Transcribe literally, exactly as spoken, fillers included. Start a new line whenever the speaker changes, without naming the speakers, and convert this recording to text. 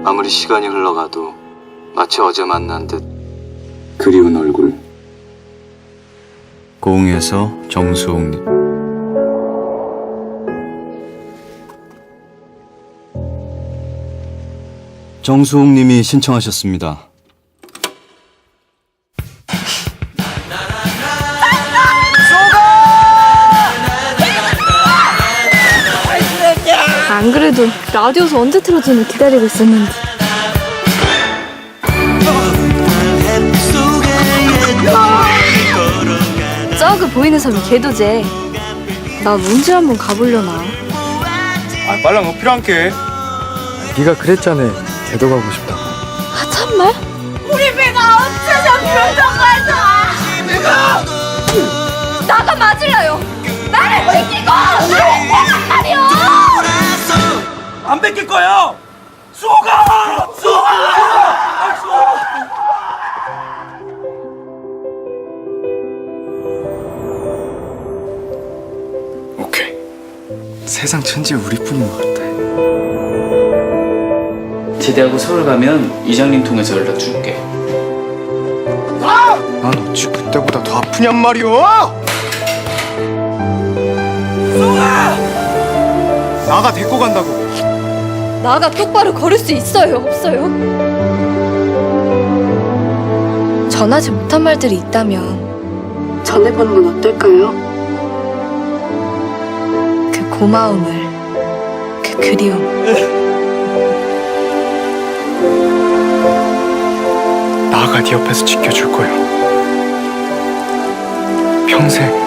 아무리 시간이 흘러가도 마치 어제 만난 듯 그리운 얼굴. 고흥에서 정수홍님. 정수홍님이 신청하셨습니다.
안 그래도 라디오에서 언제 틀어주는 기다리고 있었는데. 저그 보이는 섬이 개도제. 나 문제 한번 가보려나.
아, 빨랑 너 필요한 게.
네가 그랬잖아. 개도 가고 싶다고.
아 참말?
우리 배가 없어져 변덕하자.
내가
나가 맞을래요. 나를 지키고 나를 대란 말이요.
안 뺏길 거야. 수호가, 수호가, 아, 수호.
오케이. 세상 천지 우리뿐인 것 같아.
제대하고 서울 가면 이장님 통해서 연락 줄게.
난 어찌 그때보다 더 아프냔 말이오.
수호가.
나가 데리고 간다고.
나가 똑바로 걸을 수 있어요, 없어요? 전하지 못한 말들이 있다면 전해보는 건 어떨까요? 그 고마움을, 그 그리움.
나가 네 옆에서 지켜줄 거야. 평생.